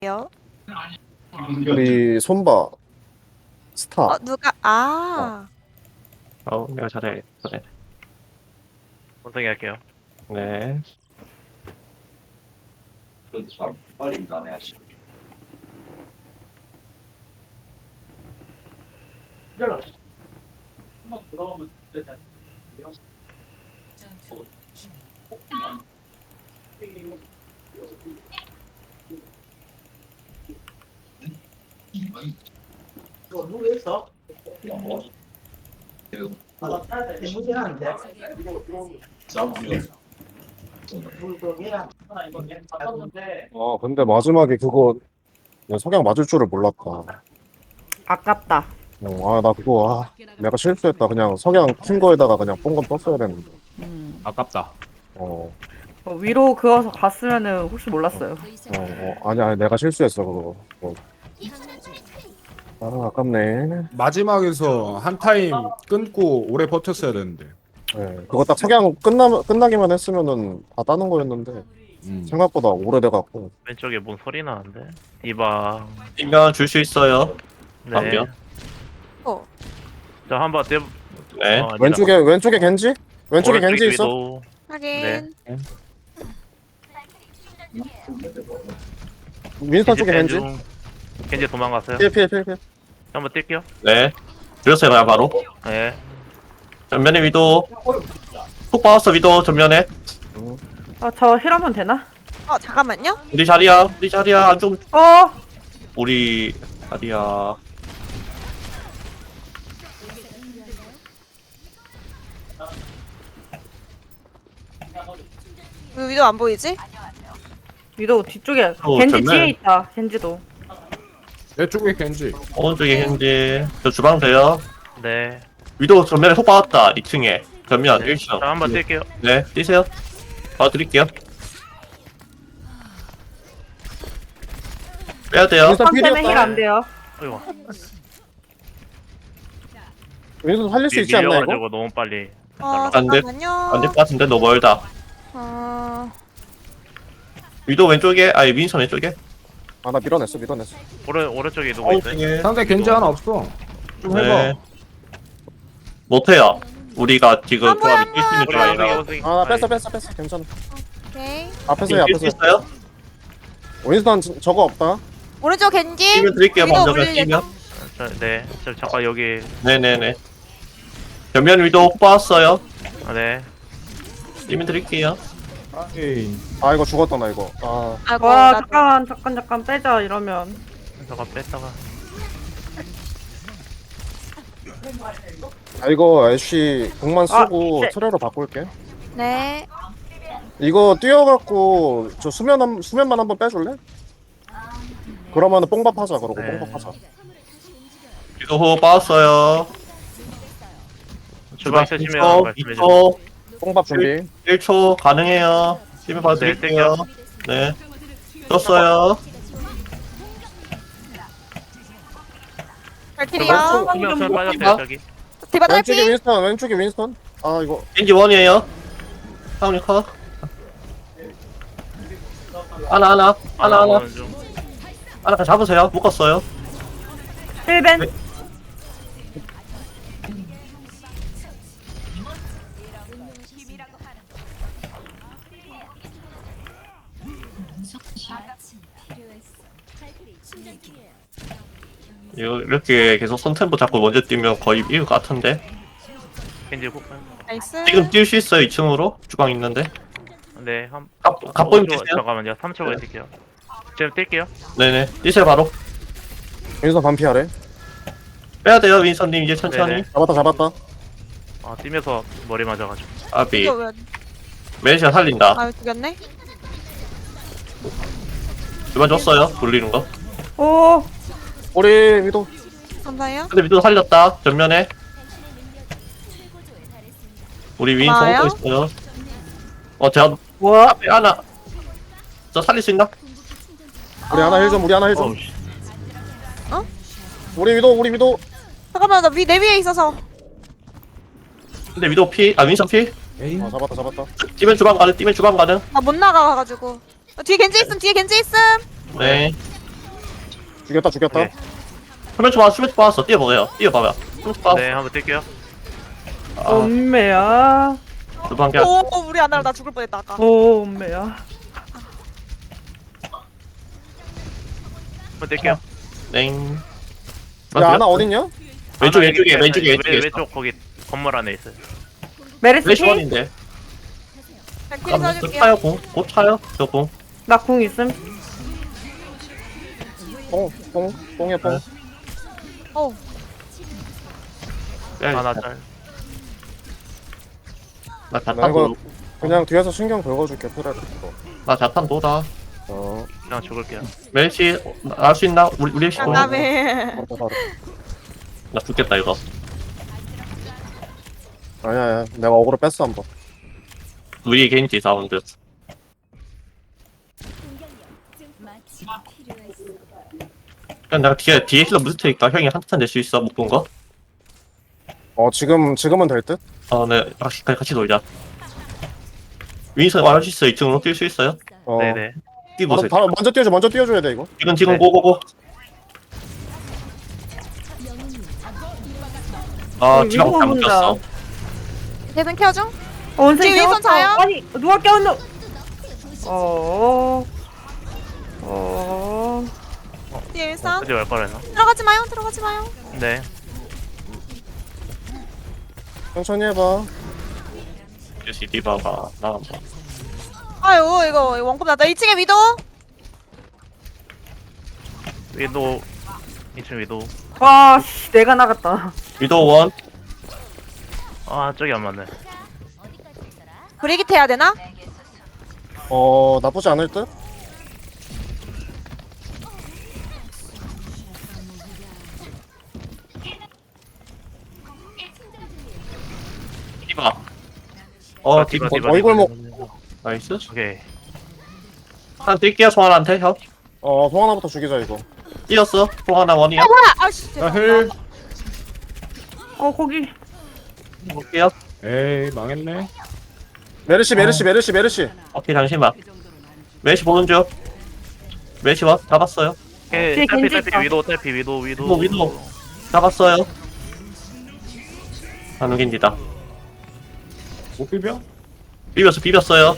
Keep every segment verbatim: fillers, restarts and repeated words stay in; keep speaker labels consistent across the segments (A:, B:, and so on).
A: 요?
B: 우리 손바 스타.
A: 어 누가 아
C: 어, 내가 잘해. 잘해.
D: 원성이 할게요.
C: 네.
B: 어 근데 마지막에 그거 그냥 석양 맞을 줄을 몰랐다.
E: 아깝다.
B: 어, 아 나 그거 아 내가 실수했다. 그냥 석양 킨 거에다가 그냥 뽕건 떴어야 되는데.
E: 음.
F: 아깝다.
B: 어,
E: 어, 위로 그어서 갔으면은 혹시 몰랐어요.
B: 어, 어 아니 아니 내가 실수했어 그거. 어. 아 아깝네.
F: 마지막에서 한 타임 끊고 오래 버텼어야 되는데.
B: 네, 그거 딱 석양 끝나 끝나기만 했으면은 다 따는 거였는데
F: 음.
B: 생각보다 오래돼갖고.
D: 왼쪽에 뭔 소리 나는데? 디바.
C: 이면 줄 수 있어요.
D: 네.
C: 방면.
A: 어
D: 자, 한번 떼.
C: 네.
D: 어, 아니다.
B: 왼쪽에 왼쪽에 겐지? 왼쪽에
D: 오른쪽에
B: 겐지 있어?
D: 위도.
A: 확인
D: 네.
B: 윈스턴 쪽에 겐지?
D: 중. 겐지 도망갔어요.
B: 피해 피해 피해 피해.
D: 한번 뛸게요.
C: 네. 줄였어요, 그냥 바로.
D: 네.
C: 전면에 위도. 훅 박았어, 위도, 전면에.
E: 아, 저 힐하면 되나?
A: 어 잠깐만요
C: 우리 자리야, 우리 자리야. 좀,
E: 어!
C: 우리 자리야.
A: 왜 위도 안 보이지?
E: 위도 뒤쪽에
C: 어,
E: 겐지
C: 정말.
E: 뒤에 있다. 겐지도.
F: 내 쪽에 겐지.
C: 오른쪽에 현재. 저 주방 돼요.
D: 네.
C: 위도 전면에 훅 박았다, 이 층에. 전면
D: 네.
C: 일 층.
D: 자, 한번 뛸게요.
C: 네, 뛰세요. 봐드릴게요. 빼야 돼요.
B: 윈스턴
E: 선 때문에 힐
B: 필이었다.
E: 안 돼요.
D: 어이구.
B: 윈스턴 살릴 수
D: 밀-
B: 있지 않나 이거?
D: 밀려가지고 너무 빨리.
A: 어
C: 안 돼.
A: 잠깐만요
C: 안 될 것 같은데, 너무 멀다.
A: 어
C: 위도 왼쪽에, 아니, 민선 왼쪽에.
B: 아 나 밀어냈어 밀어냈어.
D: 오른 오른쪽에 누구 있어요?
C: 오른쪽에.
F: 상대 겐지 하나 없어. 좀 해봐.
C: 네. 못해요. 우리가 지금
A: 아, 뭐야,
C: 조합이 뛸 수 있는
D: 우리
C: 조합이
D: 원성이
C: 라
D: 원성이.
B: 아 나 뺐어 뺐어 뺐어 괜찮아.
A: 오케이
B: 앞에서 해
C: 뛸
B: 앞에서
C: 수
B: 해.
C: 있어요?
B: 윈스턴 지- 저거 없다.
A: 오른쪽 겐지
C: 뛰면 드릴게요.
A: 위도
C: 먼저
A: 올릴
C: 뛰면.
D: 자, 네. 저 잠깐 여기.
C: 네네네. 전면 위도 뽑았어요.
D: 아, 네.
C: 뛰면 드릴게요.
F: 에이.
B: 아 이거 죽었다 나 이거. 아
A: 아이고
E: 와,
A: 나
E: 잠깐, 잠깐, 잠깐 빼자, 이러면.
D: 잠깐 뺐다가.
B: 아, 이거 애쉬 공만 쓰고
E: 아, 네.
B: 트레로 바꿀게.
A: 네
B: 이거 뛰어갖고 저 수면 한, 수면만 한번 빼줄래? 그러면은 뽕밥 하자 그러고
D: 네.
B: 뽕밥 하자.
C: 위도 호 빠졌어요.
D: 주방 쓰시면
C: 이 초,
D: 말씀해
C: 이
D: 주세요.
C: 초,
B: 뽕밥 준비.
C: 일 초 가능해요. 뛰면 봐도
D: 네,
C: 드릴게요. 네. 떴어요.
A: 발키리요
D: 수면 수면 빠졌어요,
C: 디바?
D: 저기.
A: 디바
B: 왼쪽에
A: 딸피
B: 윈스턴 왼쪽에 윈스턴. 아 이거
C: 겐지 원이에요. 사운드 컷. 하나, 하나, 하나, 하나.
D: 오는 중.
C: 하나 다 잡으세요. 묶었어요.
E: 힐벤.
C: 네. 이거 이렇게 계속 선템포 잡고 먼저 뛰면 거의 이길 것 같은데.
D: 겐지 훅.
A: 나이스
C: 지금 뛸 수 있어요. 이 층으로 주방 있는데.
D: 네. 한.
C: 갑 갑보임
D: 오 초,
C: 뛰세요.
D: 잠깐만요. 삼 초 후에 뛸게요. 지금 뛸게요.
C: 네네. 뛰세요 바로.
B: 윈스턴 반피하래.
C: 빼야 돼요 윈선님 이제 천천히.
D: 네네.
B: 잡았다 잡았다.
D: 아, 뛰면서 머리 맞아가지고.
C: 아비.
A: 이거 왜
C: 메시가 살린다.
A: 아 죽였네
C: 그만 줬어요. 돌리는 거.
E: 오!
B: 우리 위도.
A: 감사해요
C: 근데 미도 살렸다. 전면에. 우리 윈
A: 고마워요.
C: 쏘고 있어요. 어 제가
E: 뭐?
C: 앞에 하나. 저 살릴 수 있나?
B: 우리 하나 힐 좀 우리 하나 힐 좀.
D: 어우, 씨.
B: 우리 위도 우리 위도.
A: 잠깐만 나위내 위에 있어서
C: 근데 위도 피, 아 윈선 피?
F: 에이.
B: 아 잡았다 잡았다.
C: 뛰면 주방 가는, 뛰면 주방 가는.
A: 나 못 나가가지고 어, 뒤에 겐지 있음 뒤에 겐지 있음
C: 네.
B: 죽였다 죽였다.
D: 오케이.
C: 수면 초 빠, 수면 초 빠졌어. 뛰어보세요. 뛰어봐봐. 수면 초 빠졌어.
D: 네, 한번 뛸게요.
C: 아,
E: 엄매야.
C: 두번 개.
A: 오 우리 아나랑 나 죽을 뻔했다 아까.
E: 오, 엄매야.
D: 한번 뛸게요.
C: 땡.
B: 야 하나 어딨냐?
C: 왼쪽
D: 하나
C: 왼쪽에
D: 여기
C: 왼쪽에
D: 왼-
C: 왼쪽에 있어.
D: 왼쪽 거기 건물 안에 있어요.
E: 메르시
C: 플래시
E: 피?
C: 원인데.
A: 백킬 써줄게요.
C: 차요 공. 곧 차요. 저 공.
E: 나 궁 있음.
B: 뽕뽕 뽕이야 뽕.
C: 네.
A: 어
C: 빼야겠다.
D: 하나 짤.
C: 나
B: 나
C: 자탄
B: 이거
C: 도.
B: 그냥 뒤에서 신경 긁어줄게 프레를.
C: 나 자탄 도다.
B: 어.
D: 그냥 죽을게요.
C: 멜시 나올 수 있나? 우리 우리 시. 어,
A: 장담해.
B: 바로 바로.
C: 나 죽겠다 이거.
B: 아니야 아니야. 내가 어그로 뺐어 한번.
C: 우리 개인지 사운드. 그냥 내가 뒤에 뒤에 힐러 무슨 테니까 형이 한탄 낼 수 있어 못 본 거?
B: 어 지금 지금은 될 듯?
C: 어, 네 같이 같이 놀자. 윈서 말할 수 있어. 이 층으로 뛸 수 있어요?
B: 어.
D: 네네.
C: 뛰보세요.
B: 바로, 바로 먼저 뛰어줘 먼저 뛰어줘야 돼 이거.
C: 지금 지금
D: 네.
C: 고고고. 아
E: 어,
C: 지금
E: 이거
C: 잘못
E: 본다.
C: 꼈어.
A: 대선 켜줘.
E: 어, 원숭이
A: 지금 윈선
E: 깨웠어.
A: 자요?
E: 아니, 누가 깨웠노? 어. 어.
A: 뒤에 일선.
D: 어디 갈 거라나?
A: 들어가지 마요. 들어가지 마요.
D: 네.
B: 천천히 해봐.
C: 역시 디바가 나간 봐.
A: 아유 이거 이거 원컵 나다. 이 층에 위도.
D: 위도 이 층 위도.
E: 와, 씨, 내가 나갔다.
C: 위도우 원.
D: 아 저기 안 맞네.
A: 브리깃 해야 되나?
B: 어 나쁘지 않을 듯?
C: 디바. 어
D: 아,
C: 디바.
D: 디바,
B: 어, 어이골목.
D: 디바.
C: 나이스.
D: 오케이.
C: 한 뛸게요 송환한테 형.
B: 어 송하나부터 죽이자 이거.
C: 뛰었어. 송환아 원이야.
A: 아 뭐야? 아씨.
F: 나 힐.
E: 어, 거기.
C: 볼게요.
F: 에이 망했네.
B: 메르시 메르시 메르시 메르시.
C: 오케이 잠시만. 메시 보는 중. 메시 원 잡았어요.
D: 오케이.
E: 뒤에
D: 딸피
E: 겐지
D: 딸피
E: 있다.
D: 위도 딸피 위도 위도.
C: 위도 위도. 잡았어요. 한우긴디다.
F: 못 비벼?
C: 비볐어 비볐어요.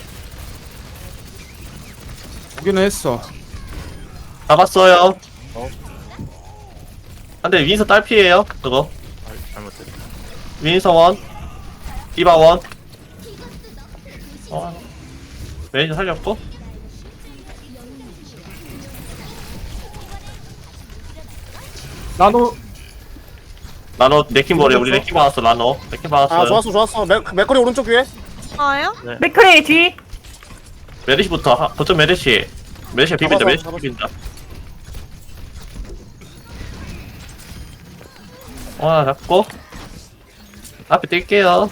F: 오기는 했어.
C: 잡았어요.
B: 어.
C: 근데 윈서 딸피에요 그거.
D: 아, 잘못했어.
C: 윈서 원. 디바 원. 어. 메시 살렸고.
F: 나노
C: 나노 네킨 버려. 우리 네킨 받았어 나노. 네킨 받았어요.
B: 아 좋았어 좋았어. 맥 맥거리 오른쪽 위에.
A: 아요?
E: 맥크레이 뒤.
C: 메르시부터 하, 거점 메르시. 메르시 비빈다
B: 잡았어,
C: 메르시
B: 잡았어.
C: 비빈다. 와 잡고 앞에 뛸게요.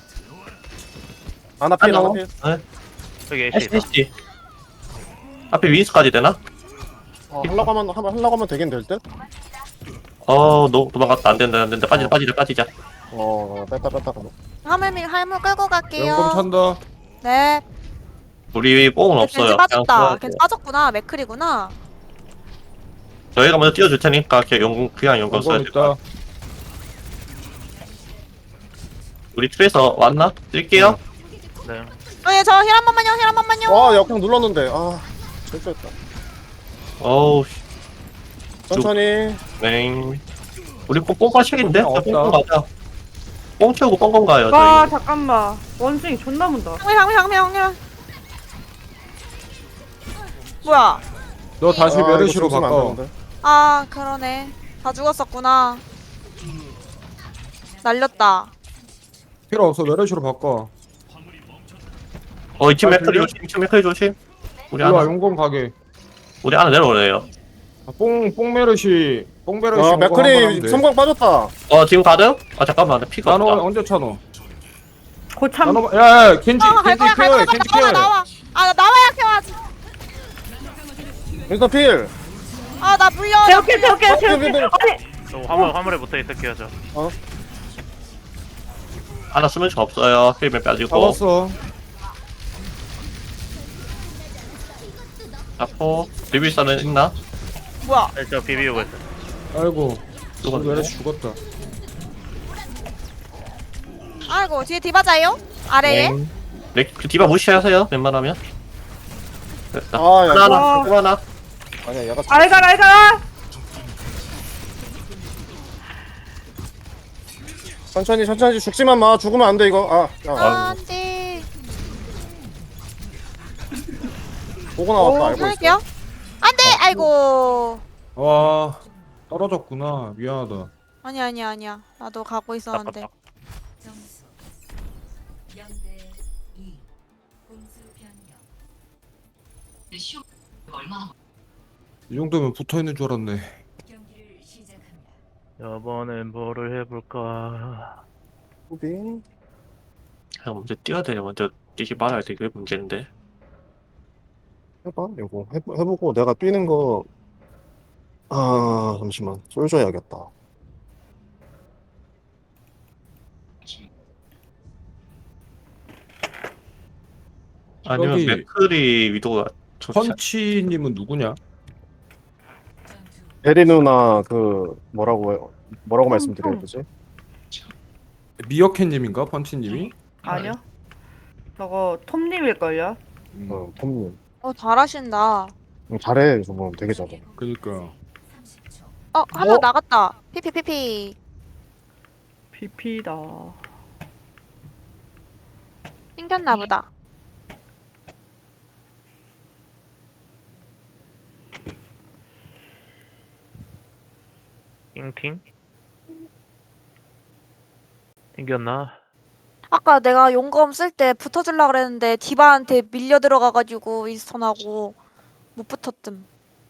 B: 아나 필 아나
C: 하나.
B: 필.
C: 네.
D: 여기 애쉬 있다.
C: 에스피씨 앞에 윈스까지 되나?
B: 어 하려고 하면 하면 하려고 하면 되긴 될 듯?
C: 어, 너 도망갔다. 안 된다, 안 된다. 빠지자, 빠지자, 빠지자.
B: 어 뺐다 뺐다 가면.
A: 화물 화물 끌고 갈게요.
F: 연금 찬다.
A: 네.
C: 우리 뽕은 없어요.
A: 겐지 빠졌다.
C: 그냥
A: 겐지 빠졌구나. 맥클이구나.
C: 저희가 먼저 띄워줄 테니까 그냥 용공, 그냥 용공 써야
F: 연금
C: 될 거야.
F: 있다.
C: 우리 트레이서 왔나? 뛸게요.
D: 네.
A: 어예 저 힐 한 번만요. 힐 한 번만요.
B: 와 역행 눌렀는데 아 실수했다.
C: 어우, 씨,
B: 천천히.
C: 맹. 우리 뽕, 뽕 빠시겠는데?
F: 뽕 없다.
C: 뽕 가자. 뽕 채우고 뽕건 가요,
E: 와,
C: 저희.
E: 잠깐만. 원숭이 존나 문다.
A: 향미 향미 향미 향미. 향미. 뭐야?
F: 너 다시
B: 아, 이거
F: 메르시로
B: 죽으면 안
F: 바꿔.
B: 되는데.
A: 아 그러네. 다 죽었었구나. 날렸다.
F: 필요 없어. 메르시로 바꿔.
C: 어, 이층
F: 아,
C: 맥크리
F: 들려?
C: 조심, 이층 맥크리 조심. 우리
F: 일로와
C: 하나,
F: 용검 가게.
C: 우리 하나 내려오래요.
F: 아, 뽕, 뽕 메르시. 뽕 메르시.
B: 아
F: 용검 한번
B: 맥크리
F: 하면 돼.
B: 섬광 빠졌다.
C: 어, 지금 가든? 아, 잠깐만. 나 피가
F: 나노
C: 없다.
F: 언제 차노?
E: 고참.
F: 나노 야, 야 켄지
A: 아, 갈
F: 켄지
A: 거야, 갈
F: 케어해.
A: 거야,
F: 켄지
A: 나와,
F: 케어해.
A: 나와. 아, 나 나와야 케어하지.
B: 윈스턴 필.
A: 아, 나 물려.
E: 태울게, 태울게,
B: 어,
E: 태울게.
B: 근데-
E: 아니,
D: 저 화물 화물에 붙어 있을게요 저.
C: 하나 쓰면 저 없어요. 힐맨 빠지고.
F: 잡았어.
C: 잡고. 리뷰사는 있나?
A: 뭐야?
D: 네, 저 비비고 있어요.
F: 아이고
C: 죽었네.
F: 왜 죽었다.
A: 아이고 뒤에 디바자요? 아래에?
C: 네. 네, 그 디바 무시하세요. 웬만하면. 됐다.
B: 아, 야,
C: 하나
B: 이거-
C: 하나 또 하나.
B: 아니야 얘가
E: 알가 알가.
B: 천천히 천천히 죽지만 마. 죽으면 안 돼 이거. 아, 야,
A: 아, 안돼.
B: 보고 나왔다. 알고 있어.
A: 할게요. 안돼. 아이고.
F: 와 떨어졌구나. 미안하다.
A: 아니 아니 아니야. 나도 가고 있었는데.
D: 딱,
G: 점수 영 대 이. 공수 변경.
F: 이 정도면 붙어 있는 줄 알았네.
G: 경기를 시작합니다.
D: 이번엔 뭐를 해볼까?
B: 후비.
C: 그냥 먼저 뛰어야 돼요. 먼저 뛰지 말아야 돼. 그게 문제인데.
B: 해봐 이거 해, 해보고 내가 뛰는 거. 아 잠시만 솔져 해야겠다.
C: 아니면
F: 저기-
C: 맥클이 위도가 좋지. 않-
F: 펀치님은 누구냐?
G: 전투
B: 베리 누나 그 뭐라고 해요? 뭐라고 말씀드려야 되지?
F: 미어캣님인가 펀치님이?
E: 아니요. 저거 톰님일걸요?
F: 음,
B: 어 톰님.
A: 어 잘하신다.
B: 음, 잘해 저거 되게 잘해.
F: 그니까
G: 삼십 초.
A: 어 한 명 나갔다. 피피피피.
E: 피피다.
A: 튕겼나 보다.
D: 띵팅? 튕겼나?
A: 아까 내가 용검 쓸 때 붙어주려 그랬는데 디바한테 밀려 들어가가지고 윈스턴하고 못 붙었음.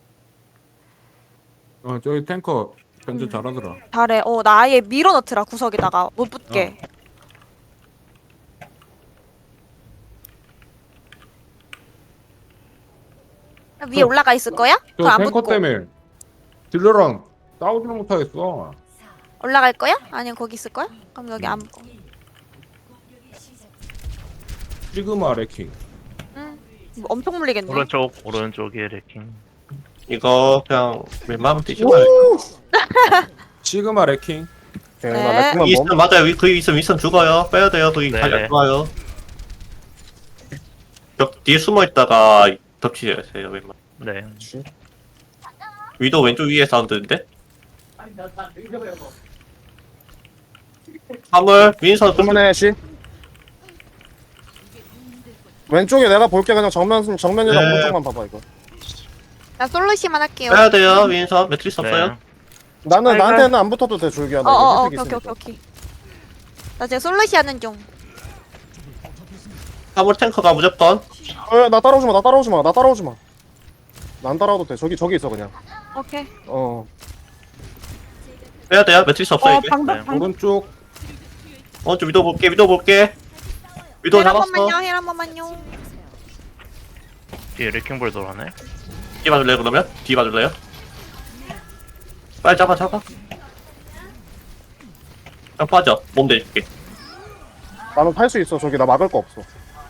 F: 어 저기 탱커
A: 음.
F: 견제 잘하더라.
A: 잘해. 어 나 아예 밀어넣더라 구석에다가 못 붙게. 위에
F: 저-
A: 올라가 있을 거야?
F: 저
A: 그럼 안
F: 탱커
A: 붙고
F: 때문에 딜러랑 싸우지는 못하겠어.
A: 올라갈 거야? 아니면 거기 있을 거야? 그럼 여기 안 붙고.
G: 공격이 시작.
F: 시그마 레킹.
A: 응. 뭐 엄청 물리겠네.
D: 오른쪽 오른쪽에 레킹.
C: 이거 그냥 웬만하면 뛰지 말아요.
F: 시그마 레킹.
B: 오케이,
A: 네.
B: 나 레킹만 뭐?
C: 윈스턴 맞아요. 위- 거기 있으면 윈스턴 죽어요. 빼야 돼요. 거기
D: 네.
C: 자리 안 좋아요. 벽 뒤에 숨어 있다가 덮치세요. 웬만.
D: 네.
C: 위도 왼쪽 위에 사운드인데. 화물 윈스턴 좀
B: 그만해 씨. 왼쪽에 내가 볼게. 그냥 정면 정면이랑
C: 네.
B: 오른쪽만 봐봐 이거.
A: 나 솔루시만 할게요.
C: 빼야 돼요. 윈스턴 매트리스 없어요.
D: 네.
B: 나는
E: 아이고.
B: 나한테는 안 붙어도 돼 줄기야. 나
A: 어어어
B: 이거
A: 오케이
B: 혜택이
A: 오케이
B: 있으니까.
A: 오케이 오케이. 나 지금 솔루시 하는 중.
C: 화물 탱커가 무조건.
B: 어, 나 따라오지 마. 나 따라오지 마. 나 따라오지 마. 나 안 따라와도 돼. 저기 저기 있어 그냥.
A: 오케이.
B: 어.
C: 빼야 돼요. 매트리스 없어요.
E: 어
C: 이제.
E: 방벽
D: 네.
E: 방벽.
F: 오른쪽
C: 어, 좀 위도 볼게. 위도 볼게. 위도
A: 힐 한
C: 잡았어.
A: 번만요. 힐 한 번만요.
D: 뒤에 레킹볼 돌아네.
C: 뒤 봐줄래요 그러면? 뒤 봐줄래요? 빨리 잡아 잡아. 그냥 빠져. 몸 대줄게.
B: 나는 탈 수 있어. 저기 나 막을 거 없어.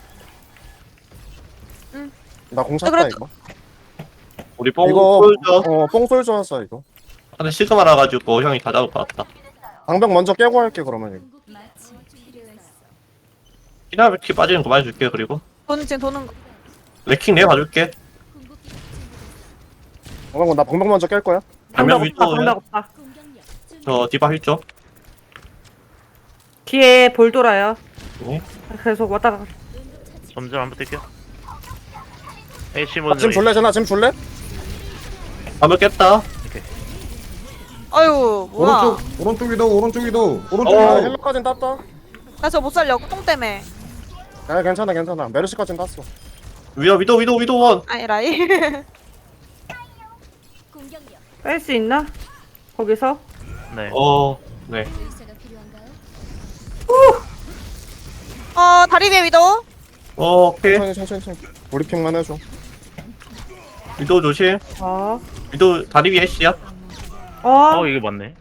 A: 응.
B: 나공 찼다
A: 그래도-
B: 이거.
C: 우리 뽕
B: 이거
C: 쏠죠.
B: 어 뽕쏠 줄 알았어 이거.
C: 근데 시그마라 가지고 형이 다 잡을 것 같다.
B: 방벽 먼저 깨고 할게 그러면 이거.
G: 마침 필요했어.
C: 피나르키 빠지는 거 많이 줄게. 그리고
A: 돈 지금 도는 거.
C: 레킹 내가 봐줄게.
B: 어, 나 방벽 먼저 깰 거야.
C: 반면
E: 방벽 없다.
C: 위도
E: 방벽 없다.
C: 저 디바 힐죠.
E: 뒤에 볼 돌아요.
C: 네.
E: 계속 왔다 가.
D: 점점 안 붙을게요. H
B: 나
D: 먼저.
B: 지금 줄래 쟤나 지금 줄래?
C: 반면 깼다.
A: 아유 뭐야.
F: 오른쪽 오른쪽 위도 오른쪽 위도 오른쪽
B: 어
F: 위도.
B: 헬로까진 땄다.
A: 나 저 못 살려. 똥 때문에.
B: 야 괜찮아 괜찮아. 메르시까진 땄어.
C: 위도 위도 위도 위도 원.
A: 아니라이.
E: 뺄 수 있나? 거기서?
D: 네.
C: 어, 네.
G: 의사가 필요한가요?
A: 어 다리 위에 위도.
C: 어, 오케이.
B: 천천히 천천히 천천히. 브리핑만 해줘.
C: 위도 조심.
E: 어.
C: 위도 다리 위에 씨야.
E: 어.
D: 어 이게 맞네.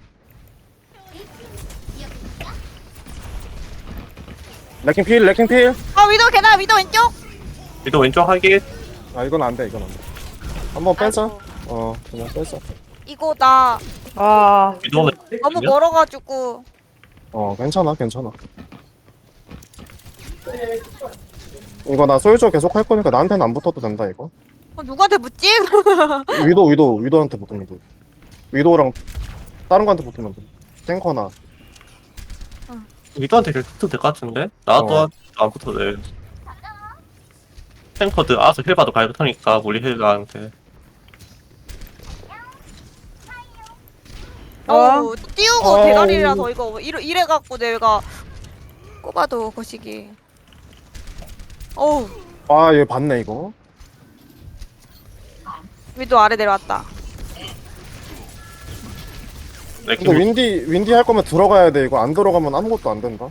B: 레킹 필 레킹 필.
A: 어 위도 계단 위도 왼쪽.
C: 위도 왼쪽 하기.
B: 아 이건 안 돼 이건 안 돼. 한번 빼자.
A: 아이고.
B: 어 어 그냥 빼자.
A: 이거 나
E: 아,
C: 위도는
A: 너무 멀어가지고.
B: 어 괜찮아 괜찮아. 이거 나 솔저 계속 할 거니까 나한테는 안 붙어도 된다 이거.
A: 어, 누구한테 묻지?
B: 위도 위도 위도한테 붙으면 돼. 위도랑 다른 거한테 붙으면 돼. 탱커나.
C: 위도한테 붙어도 될 것 같은데? 나도
B: 어.
C: 안 붙어도 돼. 탱커드 알아서 힐 봐도 갈부터니까 우리 힐러한테.
A: 어우, 띄우고
B: 어우.
A: 대가리라서 이거 이래, 이래갖고 내가 꼽아도 거시기. 어우,
B: 아얘 봤네 이거.
A: 위도 아래 내려왔다.
C: 네,
B: 근데 윈디 윈디 할 거면 들어가야 돼 이거. 안 들어가면 아무것도 안 된다.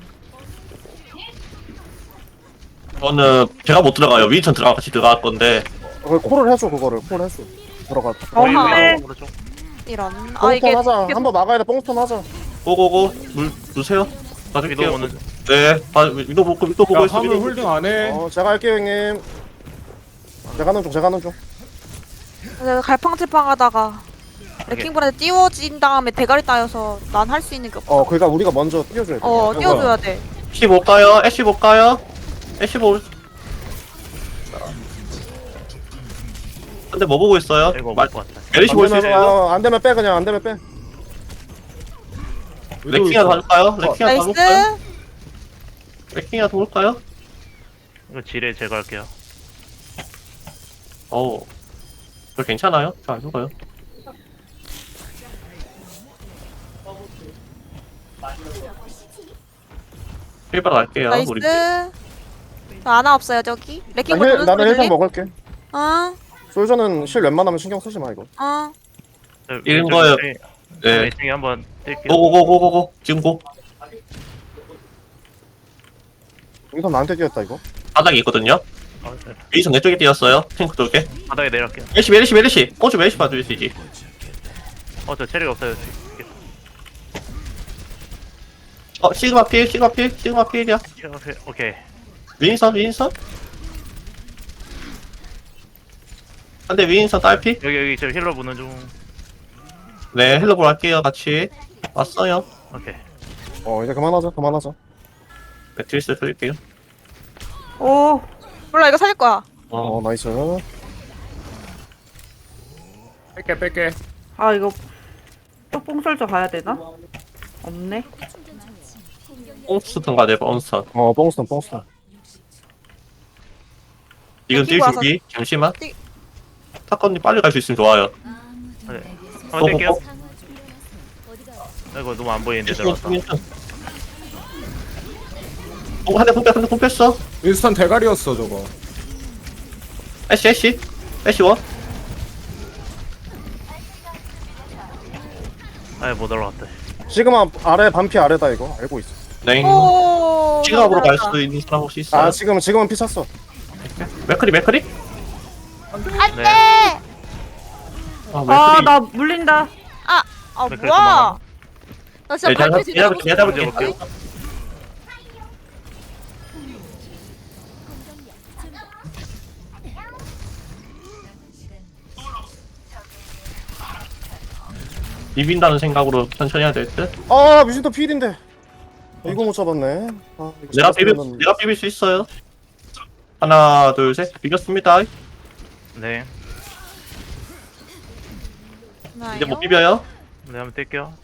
C: 저는 제가 못 들어가요. 윈천 들어가 같이 들어갈 건데.
B: 그 콜을 해줘 그거를 콜 해줘. 들어가.
E: 어,
D: 위로,
E: 네.
D: 오른쪽.
A: 이런. 아
B: 뽕스톤
A: 이게
B: 하자. 한번 막아야 돼. 뽕스톤 하자.
C: 고고고 물 주세요.
D: 위도
C: 봐줄게요.
D: 오는 중.
C: 네, 봐, 위도 보고 위도 보고
F: 야
C: 있어.
F: 화물
C: 위도.
F: 홀딩 안해.
B: 어 제가 할게요 형님. 제가 하는 중 제가 하는 중.
A: 내가 갈팡질팡하다가 레킹볼한테 띄워진 다음에 대가리 따여서 난 할 수 있는 게 없어.
B: 어 그러니까 우리가 먼저 띄워줘야 돼.
A: 어, 띄워줘야 돼.
C: 애쉬 볼까요? 애쉬 볼까요? 애쉬 볼. 근데 뭐 보고 있어요?
D: 이거
C: 말,
D: 먹을 것 같아.
C: 메리시 볼 수 있어요?
B: 어, 안 되면 빼 그냥 안 되면 빼.
C: 레킹이나 봐줄까요? 레킹이나
A: 나이스.
C: 봐볼까요? 레킹이나 볼까요?
D: 이거 지뢰 제거할게요.
C: 어우, 저 괜찮아요? 잘 안 죽어요. 힐바로 갈게요,
A: 나이스.
C: 우리.
A: 저 아나 없어요 저기.
B: 나
A: 레킹볼
B: 힐,
A: 도는
B: 나는
A: 소리
B: 힐팩
A: 들림?
B: 먹을게.
A: 어,
B: 솔저는 실 웬만하면 신경 쓰지 마 이거.
A: 어.
C: 이런 거요. 네.
D: 네. 이 한번 뛸게요.
C: 고고고고고고. 지금 고.
B: 여기서 나한테 뛰었다 이거.
C: 바닥에 있거든요.
D: 어, 네.
C: 위에서 내 쪽에 뛰었어요. 탱크 쪽에.
D: 바닥에 내려갈게요.
C: 메리시, 메리시, 메리시. 꼬주 메리시 봐주시지.
D: 어, 저 체력 없어요.
C: 어, 시그마 필, 시그마 필, 시그마 필이야.
D: 오케이, 오케이.
C: 윈선, 윈선. 근데 윈선 딸피?
D: 여기 여기 저 힐러 보는 중.
C: 네, 헬로볼 할게요, 같이. 왔어요.
D: 오케이.
B: 어 이제 그만하자 그만하자.
C: 매트리스 드릴게요.
E: 오,
A: 몰라 이거 살릴 거야.
B: 어 나이스.
F: 뺄게 뺄게.
E: 아 이거 또 뽕설저 가야 되나? 없네.
C: 뽕스턴 가야 돼, 뽕스턴.
B: 어 뽕스톤 뽕스톤.
C: 지금 뛸
A: 뛰고 와서-
C: 준비. 잠시만.
A: 뛰-
C: 사건님 빨리 갈 수 있으면 좋아요.
G: 아무도
D: 네.
G: 내게
D: 한번 뛸게요.
C: 어,
G: 상황 준비해서 어디가
D: 아이고 너무 안 보이는데
C: 윈선,
D: 들어갔다.
C: 윈선. 어, 한대 พุ่뺐, 한대 พุ่뺐어.
F: 윈스턴 대가리였어 저거.
C: 애쉬, 애쉬. 애쉬 원.
D: 아예 못 올라갔다.
B: 시그마 아래 반피 아래다 이거 알고 있어.
C: 네.
A: 오.
C: 지갑으로 갈
A: 잘한다.
C: 수도 있는 사람 혹시 있어요?
B: 아 지금 지금은 피 찼어.
C: 맥크리, 맥크리?
A: 안돼.
D: 네.
C: 아,
E: 아
C: 맥크리.
E: 나 물린다.
A: 아
D: 왜 그래,
A: 뭐야?
D: 도망가?
A: 나 진짜
C: 네, 내가
A: 발표 제대로
C: 내가 내가
D: 먼저
C: 볼게.
D: 볼게요.
C: 비빈다는 생각으로 천천히 해야 될 듯.
B: 아 뮤진도 필인데. 이거 못 잡았네. 아, 이거
C: 내가 비빌
B: 잡았으면은-
C: 내가 비빌 수 있어요. 하나, 둘, 셋. 비겼습니다.
D: 네.
C: 이제 못 비벼요.
D: 네 한번 뛸게요.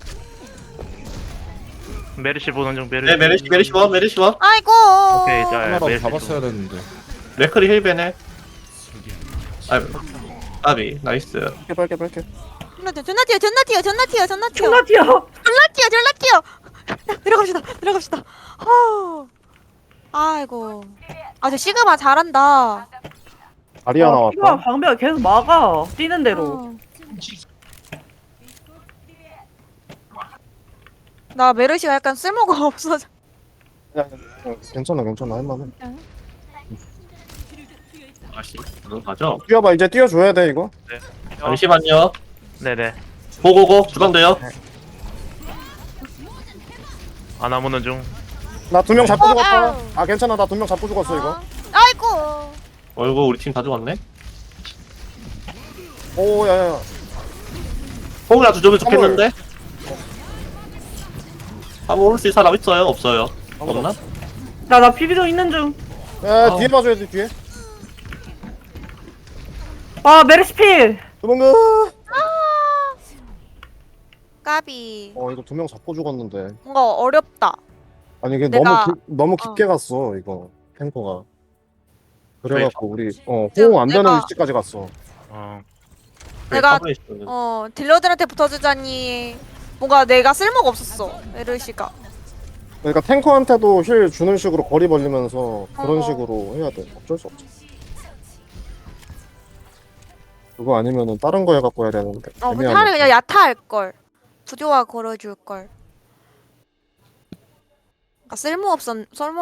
D: 메르시 보는 중 메르시.
C: 네, 메리시, 메리시 원, 메리시 원.
A: 아이고.
D: 오케이 자
F: 하나라도
D: 메르시.
F: 잡았어야 됐는데.
C: 맥크리 힐베네. 아, 아비, 나이스.
B: 빨게 빨게 빨게.
A: 존나 뛰어, 존나 뛰어, 존나 뛰어, 존나 뛰어, 존나 뛰어,
E: 존나 뛰어.
A: 존나 뛰어, 존나 뛰어. 들어갑시다, 들어갑시다. 허. 아이고. 아, 저 시그마 잘한다.
B: 아리아
E: 아, 피가
B: 나왔다.
E: 방배가 계속 막아. 뛰는 대로.
A: 어. 나 메르시가 약간 쓸모가 없어져.
B: 그냥, 그냥 괜찮아 괜찮아 할만해.
C: 아씨, 가죠.
B: 뛰어봐 이제 뛰어줘야 돼 이거.
C: 잠시만요.
D: 네네.
C: 고고고, 주방돼요.
D: 아나 보는 중.
B: 나 두 명 잡고
A: 어,
B: 죽었다.
A: 아우.
B: 아 괜찮아 나 두 명 잡고 죽었어 이거.
A: 어. 아이고.
C: 어이구, 우리 팀 다 죽었네.
B: 오 야야.
C: 호응이라도 주면 좋겠는데? 한번 오를 수 있는 사람 있어요? 없어요? 없나?
E: 나, 나 비비도 있는 중.
B: 야,
C: 아.
B: 뒤에 봐줘야 돼, 뒤에.
E: 아, 메르시필!
B: 도망가!
A: 까비.
B: 어, 이거 두 명 잡고 죽었는데.
A: 뭔가 어렵다.
B: 아니, 이게
A: 내가-
B: 너무, 기, 너무 깊게 갔어, 이거. 탱커가. 그래갖고, 우리, 어, 호응 안 되는
A: 내가-
B: 위치까지 갔어.
D: 어.
A: 내가-
C: 가만히 있으면.
A: 어 딜러들한테 붙어주자니 뭔가 내가 쓸모가 없었어. 에르시가.
B: 그러니까 탱커한테도 힐 주는 식으로 거리 벌리면서 그런
A: 어.
B: 식으로 해야 돼. 어쩔 수 없지. 그거 아니면은 다른 거 해갖고 해야 되는데.
A: 어 근데
B: 애매하네.
A: 차라리 그냥 야타 할 걸. 부조화 걸어줄 걸. 그러니까 쓸모 없었 쓸모